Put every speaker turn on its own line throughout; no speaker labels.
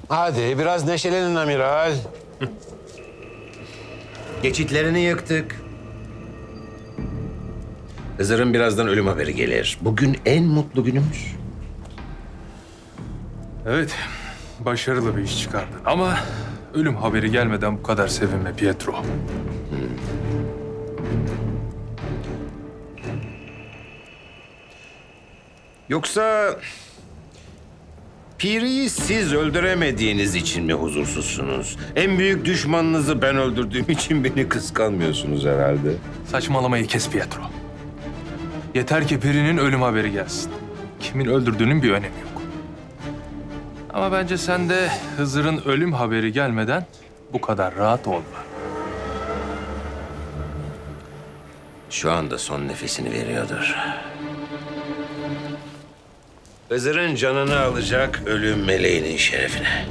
Hadi biraz neşelenin amiral.
Geçitlerini yıktık. Hızır'ın birazdan ölüm haberi gelir. Bugün en mutlu günümüz.
Evet, başarılı bir iş çıkardın. Ama ölüm haberi gelmeden bu kadar sevinme Pietro.
Yoksa Piri'yi siz öldüremediğiniz için mi huzursuzsunuz? En büyük düşmanınızı ben öldürdüğüm için beni kıskanmıyorsunuz herhalde.
Saçmalamayı kes Pietro. Yeter ki Piri'nin ölüm haberi gelsin. Kimin öldürdüğünün bir önemi yok. Ama bence sen de Hızır'ın ölüm haberi gelmeden bu kadar rahat olma.
Şu anda son nefesini veriyordur. Hızır'ın canını alacak ölüm meleğinin şerefine.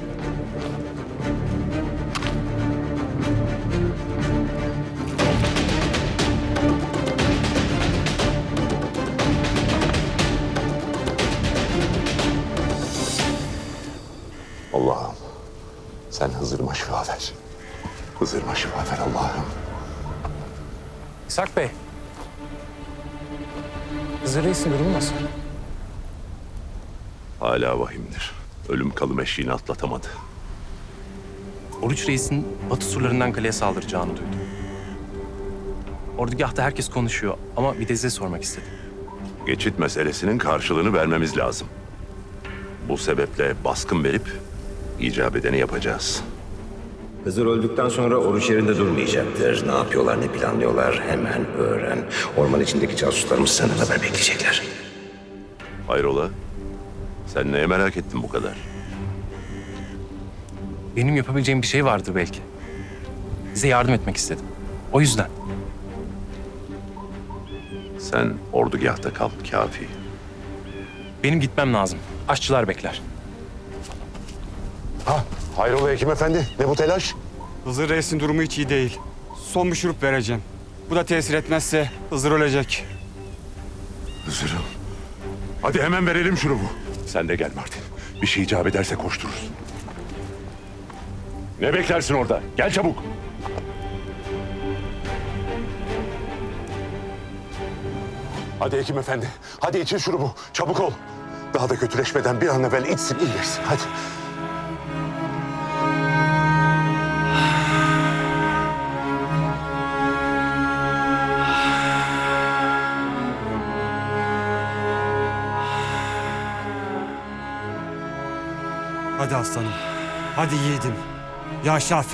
Allah'ım sen Hızır'ıma şifa ver. Hızır'ıma şifa ver Allah'ım.
İshak Bey. Hızır Reis'in durumu nasıl?
Hala vahimdir. Ölüm kalım eşiğini atlatamadı.
Oruç Reis'in batı surlarından kaleye saldıracağını duydum. Ordugahta herkes konuşuyor ama bir de size sormak istedim.
Geçit meselesinin karşılığını vermemiz lazım. Bu sebeple baskın verip icap edeni yapacağız.
Hızır öldükten sonra oruç yerinde durmayacaktır. Ne yapıyorlar, ne planlıyorlar hemen öğren. Orman içindeki casuslarımız senden haber bekleyecekler.
Hayrola? Sen neye merak ettin bu kadar?
Benim yapabileceğim bir şey vardı belki. Size yardım etmek istedim. O yüzden.
Sen ordugahta kal kafi.
Benim gitmem lazım. Aşçılar bekler.
Ha, hayrola hekim efendi? Ne bu telaş?
Hızır Reis'in durumu hiç iyi değil. Son bir şurup vereceğim. Bu da tesir etmezse Hızır ölecek.
Hızır'ım. Hadi hemen verelim şurubu. Sen de gel Martin. Bir şey icap ederse koştururuz. Ne beklersin orada? Gel çabuk.
Hadi hekim efendi. Hadi için şurubu. Çabuk ol. Daha da kötüleşmeden bir an evvel içsin, iyileşsin. Hadi.
Hadi aslanım. Hadi yiğidim. Ya Şafi.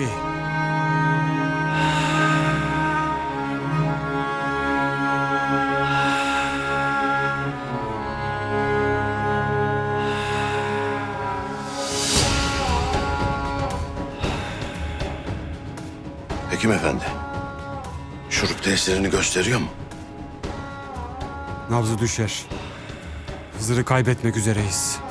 Hekim efendi, şurup tesirini gösteriyor mu?
Nabzı düşer. Hızır'ı kaybetmek üzereyiz.